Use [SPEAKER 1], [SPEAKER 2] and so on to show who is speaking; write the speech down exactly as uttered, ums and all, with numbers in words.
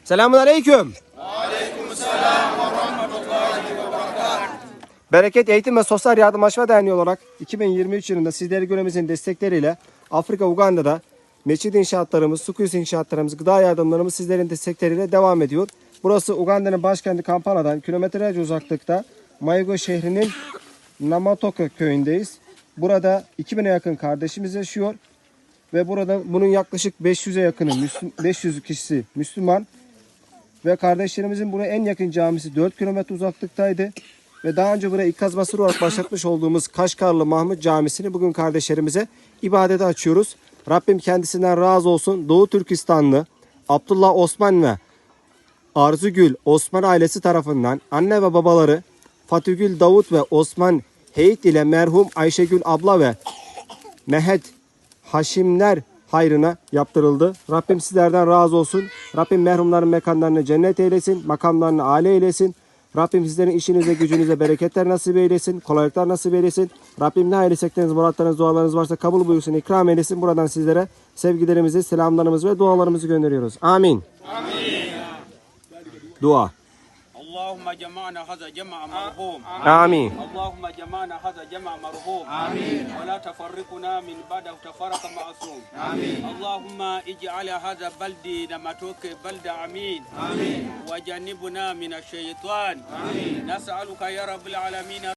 [SPEAKER 1] Selamun aleyküm.
[SPEAKER 2] Aleykümselam ve rahmetullahi ve berekatuhu.
[SPEAKER 1] Bereket Eğitim ve Sosyal Yardımlaşma Derneği olarak iki bin yirmi üç yılında sizleri göremizin destekleriyle Afrika Uganda'da mescid inşaatlarımız, su kuyusu inşaatlarımız, gıda yardımlarımız sizlerin destekleriyle devam ediyor. Burası Uganda'nın başkenti Kampala'dan kilometrelerce uzaklıkta Mayugo şehrinin Namatoka köyündeyiz. Burada iki bine yakın kardeşimiz yaşıyor ve burada bunun yaklaşık beş yüze yakını Müslüm, beş yüz kişisi Müslüman ve kardeşlerimizin buraya en yakın camisi dört kilometre uzaklıktaydı. Ve daha önce buraya ikaz basırı olarak başlatmış olduğumuz Kaşgarlı Mahmut Camisi'ni bugün kardeşlerimize ibadete açıyoruz. Rabbim kendisinden razı olsun. Doğu Türkistanlı Abdullah Osman ve Arzugül Osman ailesi tarafından anne ve babaları Fatihgül Davut ve Osman Heyit ile merhum Ayşegül abla ve Mehet Haşimler hayrına yaptırıldı. Rabbim sizlerden razı olsun. Rabbim merhumların mekanlarını cennet eylesin, makamlarını âli eylesin. Rabbim sizlerin işinize, gücünüze bereketler nasip eylesin, kolaylıklar nasip eylesin. Rabbim ne hayırlı istekleriniz, muratlarınız, dualarınız varsa kabul buyursun, ikram eylesin. Buradan sizlere sevgilerimizi, selamlarımızı ve dualarımızı gönderiyoruz. Amin.
[SPEAKER 2] Amin.
[SPEAKER 1] Dua.
[SPEAKER 2] Allahümme cema'na haza cema'a merhum.
[SPEAKER 1] Amin.
[SPEAKER 2] Allahümme cema'na haza cema'a merhum. Amin. Ve la tefarrikuna min ba'da tefarraka ma'asum. Amin. Allahümme ic'ala haza baldi namatoke balda amin. Amin. Ve cennibuna minaşşeytan. Amin. Nes'aluka ya Rabbil alemin.